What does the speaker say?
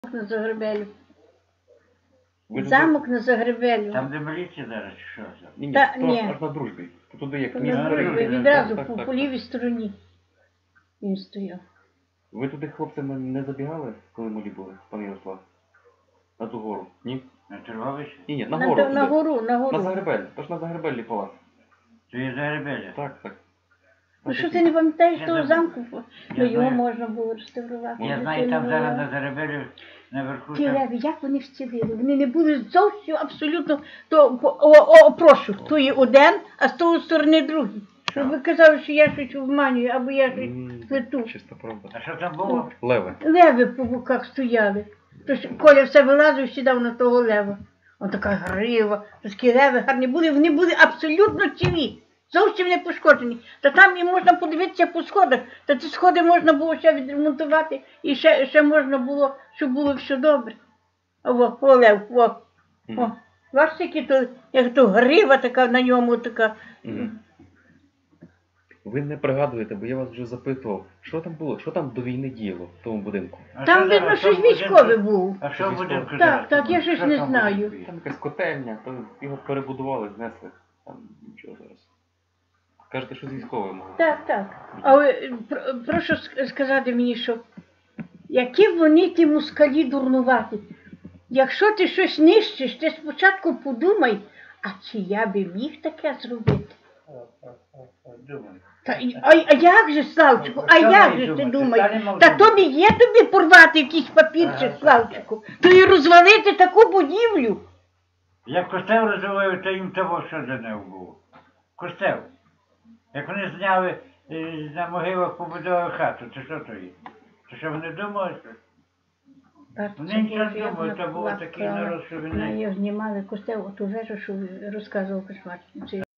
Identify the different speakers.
Speaker 1: на Загребелю.
Speaker 2: Ви
Speaker 1: Замок на Загребелю.
Speaker 3: Там де міліція зараз, чи що це?
Speaker 2: Ні,
Speaker 1: Та,
Speaker 2: то
Speaker 1: ні.
Speaker 2: аж на дружбі. Туди як
Speaker 1: На
Speaker 2: місто
Speaker 1: Дружбі,
Speaker 2: перейти.
Speaker 1: відразу
Speaker 2: Так.
Speaker 1: по лівій стороні він стояв.
Speaker 2: Ви туди хлопцями не забігали, коли малі були, пан Ярослав? На ту гору? Ні?
Speaker 3: На Торговище?
Speaker 2: Ні, на гору.
Speaker 1: На
Speaker 2: туди.
Speaker 1: гору, на гору.
Speaker 2: На Загребель. Тож на Загребелі палац.
Speaker 3: То є Загребеля?
Speaker 2: Так.
Speaker 1: Ну що ти не пам'ятаєш
Speaker 3: Я
Speaker 1: того
Speaker 3: забув.
Speaker 1: замку?
Speaker 3: Я
Speaker 1: Ну його
Speaker 3: знаю.
Speaker 1: можна було реставрувати.
Speaker 3: Я знаю, там зараз на Загребелю наверху
Speaker 1: Ті
Speaker 3: там...
Speaker 1: леви, як вони вцілили? Вони не були зовсім абсолютно, то, прошу, то є один, а з того сторони другий. Щоб ви казали, що я щось обманюю, або я щось плету.
Speaker 2: Чиста правда.
Speaker 3: А що там було?
Speaker 2: Леви.
Speaker 1: Леви по боках стояли. Тож Коля все вилазив, сідав на того лева. Он така грива, такі леви гарні були, вони були абсолютно цілі, зовсім не пошкоджені. Та там і можна подивитися по сходах, та ці сходи можна було ще відремонтувати, і ще можна було, щоб було все добре. О, лев, о. Бачите, як то грива така на ньому така.
Speaker 2: Ви не пригадуєте, бо я вас вже запитував, що там було, що там до війни діяло в тому будинку?
Speaker 3: А
Speaker 1: Там,
Speaker 3: що
Speaker 1: видно,
Speaker 3: зараз?
Speaker 1: щось
Speaker 3: Що в
Speaker 1: військове
Speaker 3: будинку?
Speaker 1: був.
Speaker 3: А що в будинку
Speaker 2: Так,
Speaker 3: зараз?
Speaker 1: так, я щось
Speaker 3: Що
Speaker 1: не
Speaker 3: там в
Speaker 1: знаю.
Speaker 3: будинку є?
Speaker 2: Там якась котельня, то його перебудували, знесли. Там нічого зараз. Кажете, що з військовим могло.
Speaker 1: Так. Але прошу сказати мені, що які вони ті москалі дурнуваті. Якщо ти щось нищиш, ти спочатку подумай, а чи я би міг таке зробити?
Speaker 3: Думаю.
Speaker 1: А як же, Славчику, а
Speaker 3: Що
Speaker 1: як
Speaker 3: ви
Speaker 1: же ти
Speaker 3: думаєте?
Speaker 1: думаєш?
Speaker 3: Та не можу
Speaker 1: Та то
Speaker 3: думати.
Speaker 1: не є тобі порвати якийсь папірчик, Славчику, то і розвалити таку будівлю.
Speaker 3: Як костел розвивають, то їм того, що за нього було. Костел. Як вони зняли на могилах побудову хату, то що то є? То що вони думали? Вони нічого не думають, то був такий народ, що
Speaker 1: На
Speaker 3: вони...
Speaker 1: його знімали костел, оту вежу, що розказував Кошмар.